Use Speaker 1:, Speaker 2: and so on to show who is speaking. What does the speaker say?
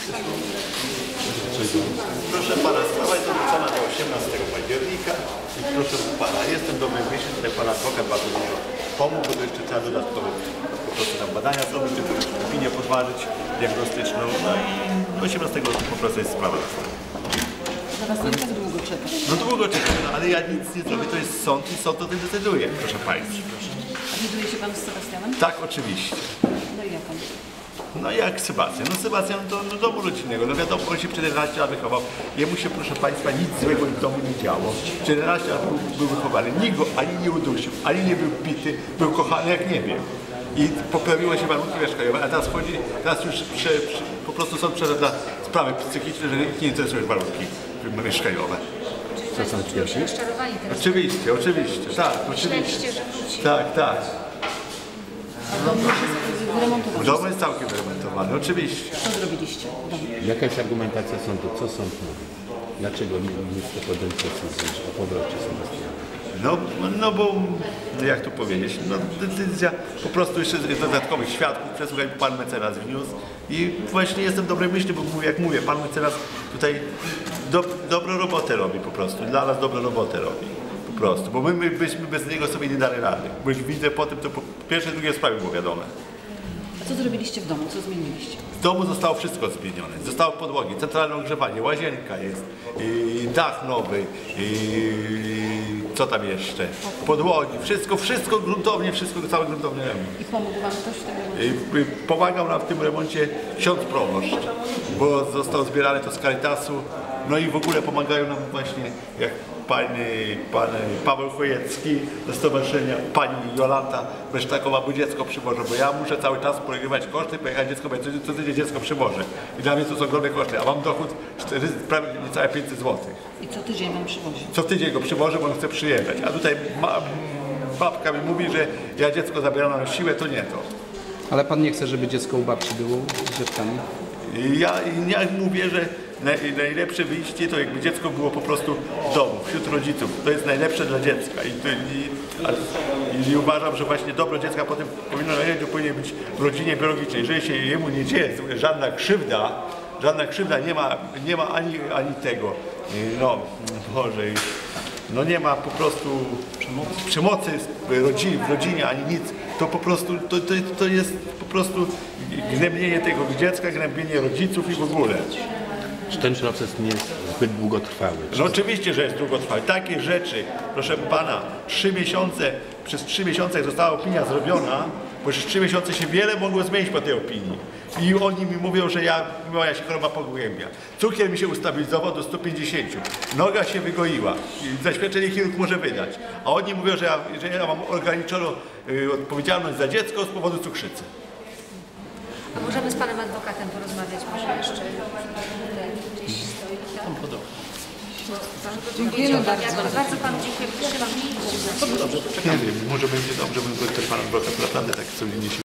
Speaker 1: Proszę pana, sprawa jest odrzucona do 18 października i proszę pana, jestem dobry myśli, tutaj pan adwokat bardzo dużo pomógł, bo to jeszcze trzeba dodatkowo po prostu tam badania zrobić, czy opinię podważyć diagnostyczną, no i 18 po prostu jest sprawa.
Speaker 2: Zaraz nie tak długo czekać.
Speaker 1: No długo czekam, no, ale ja nic nie zrobię, to jest sąd i sąd o tym decyduje, proszę państwa.
Speaker 2: A widuje się pan z Sebastianem?
Speaker 1: Tak, oczywiście.
Speaker 2: No i jak on?
Speaker 1: No jak Sebastian? No Sebastian do domu rodzinnego, no wiadomo, on się przez 11 lat wychował. Jemu się, proszę państwa, nic złego w domu nie działo. 14 lat był wychowany, nikt go ani nie udusił, ani nie był bity, był kochany jak nie wiem. I poprawiły się warunki mieszkaniowe, a teraz już po prostu są dla sprawy psychiczne, że nikt nie interesuje warunki mieszkaniowe.
Speaker 3: Co są pierwsi? Rozczarowani teraz.
Speaker 1: Oczywiście, oczywiście, tak, oczywiście.
Speaker 3: Myśleliście, że wróci.
Speaker 1: Tak, tak.
Speaker 2: Wyremontował.
Speaker 1: Dom jest całkiem wyremontowany, oczywiście.
Speaker 2: Co zrobiliście w domu?
Speaker 4: Jaka jest argumentacja sądu? Co sąd mówi? Dlaczego nie chce podjąć decyzji o powrocie Sebastiana?
Speaker 1: No bo, jak tu powiedzieć, no decyzja po prostu jeszcze dodatkowych świadków, przesłuchaj, pan mecenas wniósł i właśnie jestem dobrej myśli, bo jak mówię, pan mecenas tutaj dobrą robotę robi po prostu, dla nas dobrą robotę robi. Po prostu, bo my byśmy bez niego sobie nie dali rady. Bo już widzę po tym, to po pierwsze, drugie sprawy było wiadome.
Speaker 2: A co zrobiliście w domu? Co zmieniliście?
Speaker 1: W domu zostało wszystko zmienione. Zostały podłogi, centralne ogrzewanie, łazienka jest, dach nowy, co tam jeszcze? Podłogi, wszystko gruntownie, cały gruntowny remont.
Speaker 2: I pomógł wam ktoś w tym remoncie?
Speaker 1: Pomagał nam w tym remoncie ksiądz proboszcz, bo został zbierany to z Caritasu, no i w ogóle pomagają nam właśnie jak pan Paweł Chojecki ze stowarzyszenia, pani Jolanta Besztakowa, bo dziecko przywożę, bo ja muszę cały czas porywać koszty, pojechać dziecko, bo ja co tydzień dziecko przywożę. I dla mnie to są ogromne koszty, a mam dochód prawie niecałe 500 zł.
Speaker 2: I co tydzień wam przywozi?
Speaker 1: Co tydzień go przywożę, bo on chce przyjechać, a tutaj babka mi mówi, że ja dziecko zabieram na siłę, to nie to.
Speaker 5: Ale pan nie chce, żeby dziecko u babci było z dziewkami?
Speaker 1: Ja mówię, że najlepsze wyjście to jakby dziecko było po prostu w domu, wśród rodziców. To jest najlepsze dla dziecka i uważam, że właśnie dobro dziecka potem powinien być w rodzinie biologicznej. Jeżeli się jemu nie dzieje żadna krzywda nie ma ani tego, no Boże, no nie ma po prostu przemocy w rodzinie ani nic, to po prostu to jest po prostu gnębienie tego dziecka, gnębienie rodziców i w ogóle.
Speaker 4: Czy ten proces nie jest zbyt długotrwały?
Speaker 1: No oczywiście, że jest długotrwały. Takie rzeczy, proszę pana, przez 3 miesiące jak została opinia zrobiona, bo przez 3 miesiące się wiele mogło zmienić po tej opinii. I oni mi mówią, że moja się choroba pogłębia. Cukier mi się ustabilizował do 150. Noga się wygoiła. Zaświadczenie chirurg może wydać. A oni mówią, że ja mam ograniczoną odpowiedzialność za dziecko z powodu cukrzycy.
Speaker 3: A możemy z panem adwokatem porozmawiać może jeszcze? Gdzieś stoi tam.
Speaker 2: Dziękujemy bardzo.
Speaker 3: Bardzo panu dziękuję.
Speaker 1: Nie wiem, może będzie dobrze, bym ten pan adwokat naprawdę tak solidnie się